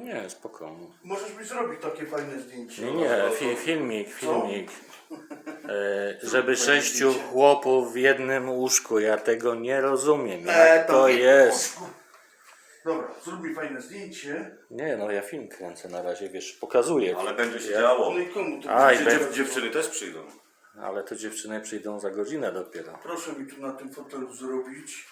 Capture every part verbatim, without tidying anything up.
Nie, spokojnie. Możesz mi zrobić takie fajne zdjęcie. Nie, nie, fi, filmik, filmik. E, żeby sześciu chłopów w jednym łóżku, ja tego nie rozumiem. Jak E, to jest? Dobra, zrób mi fajne zdjęcie. Nie, no ja film kręcę na razie, wiesz, pokazuję. Ale będzie się Ja- działo. No i komu to Aj, będzie? be- Dziew, dziewczyny też przyjdą. Ale to dziewczyny przyjdą za godzinę dopiero. Proszę mi tu na tym fotelu zrobić.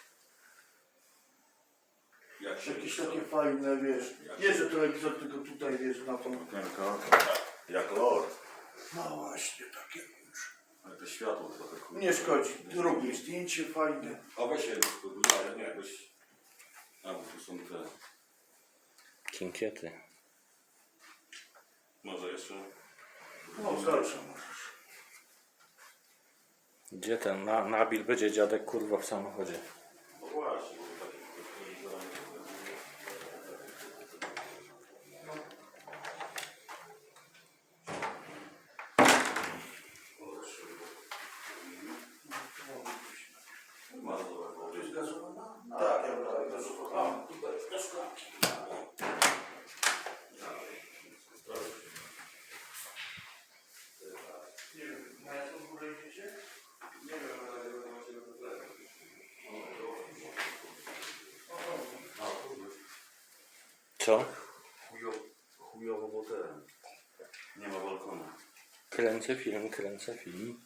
Jak się Jakieś takie fajne, wiesz. Nie, że telewizor, tylko tutaj, wiesz, na tą... okienko. Jak lord. No właśnie, takie już. Ale to światło trochę kurwa. Nie szkodzi. Zrób mi zdjęcie fajne. A weź się rozpływają, nie, weź. A bo tu są te. Kinkiety. Może jeszcze. No, dalsze możesz. Gdzie ten na, Nabil będzie dziadek kurwa w samochodzie? No właśnie, bo takie Tak, ja bym gazowana. Tutaj do szklanki. Nie wiem, na jaką górę idziecie? Nie wiem, ale Co? chujowo, chujowo, bo ten. Nie ma balkonu. Kręcę film, kręcę film.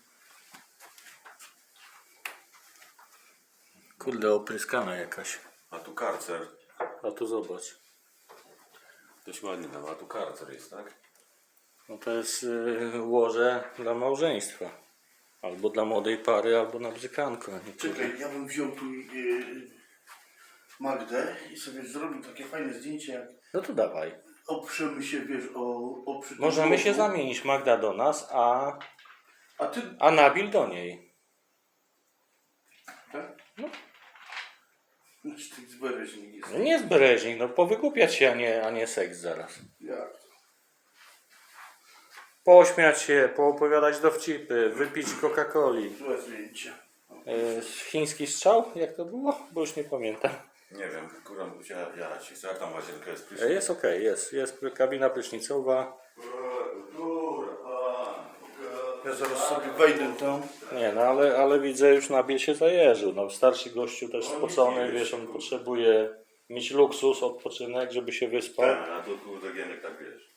Kurde, opryskana jakaś. A tu karcer. A tu zobacz. Dość ładnie dawa, a tu karcer jest, tak? No to jest y, łoże dla małżeństwa. Albo dla młodej pary, albo na bzykanko. a nie kurwa. Czekaj, ja bym wziął tu yy, Magdę i sobie zrobił takie fajne zdjęcie, jak No to dawaj. oprzemy się, wiesz, o, o przy tym Możemy się łożu. zamienić. Magda do nas, a, A ty... a Nabil do niej. Tak? No. Znaczy, ty zbereźnik jest. No nie jest bereźnik, no powygłupiać się, a nie, a nie seks zaraz. Jak to? Pośmiać się, poopowiadać dowcipy, wypić Coca-Coli. Złe zdjęcie. E, chiński strzał? Jak to było? Bo już nie pamiętam. Nie wiem, kurwa, ja, ja ci chcę, jak tam łazienka jest E, prysznic? jest okej, jest. Jest kabina prysznicowa. Ja zaraz sobie wejdę tam. Nie, no ale, ale widzę, już Nabil się zajeżył. No, starszy gościu też spocony, wiesz, on potrzebuje mieć luksus, odpoczynek, żeby się wyspał. Tak, a tu kurde Gienek tak wiesz.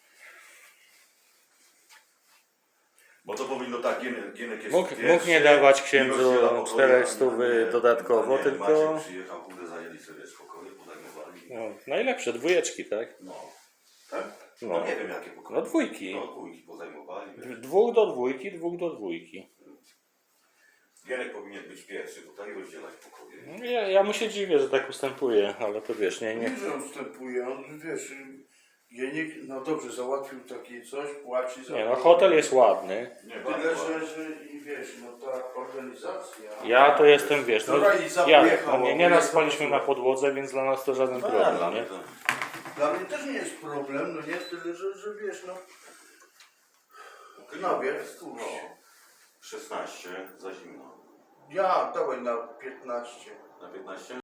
Bo to powinno tak, Gienek, Gienek jest Mógł, pierwszy, mógł nie dawać i księdzu rozdziela pokoje, czterech a stów nie- nie- dodatkowo, a nie, tylko... Maciek przyjechał, kurde, zajęli sobie spokoje, podajmowali. No, najlepsze, dwójeczki, tak? No. Tak? No. No nie wiem jakie pokoje. No dwójki. No dwójki podajmowali. wiesz. Dwóch do dwójki, dwóch do dwójki. Gienek powinien być pierwszy tutaj, rozdzielać pokoje. Ja, ja mu się dziwię, że tak ustępuje, ale to wiesz, nie, Nie, nie. że on wstępuje, on, wiesz, Jenik, no dobrze, załatwił takie coś, płaci za Nie, no to. hotel jest ładny. Nie, Tyle, bardzo że, ładnie. że i wiesz, no ta organizacja... Ja to jestem, wiesz, no, Wczoraj za ja, pojechał, no, nie, bo nieraz jest spaliśmy to- na podłodze, więc dla nas to żaden No, problem, dla nie? mnie to- Dla mnie też nie jest problem, no nie, tyle, że, że wiesz, no... No wiesz, No, szesnaście za zimno. ja dawaj na piętnaście. Na piętnaście?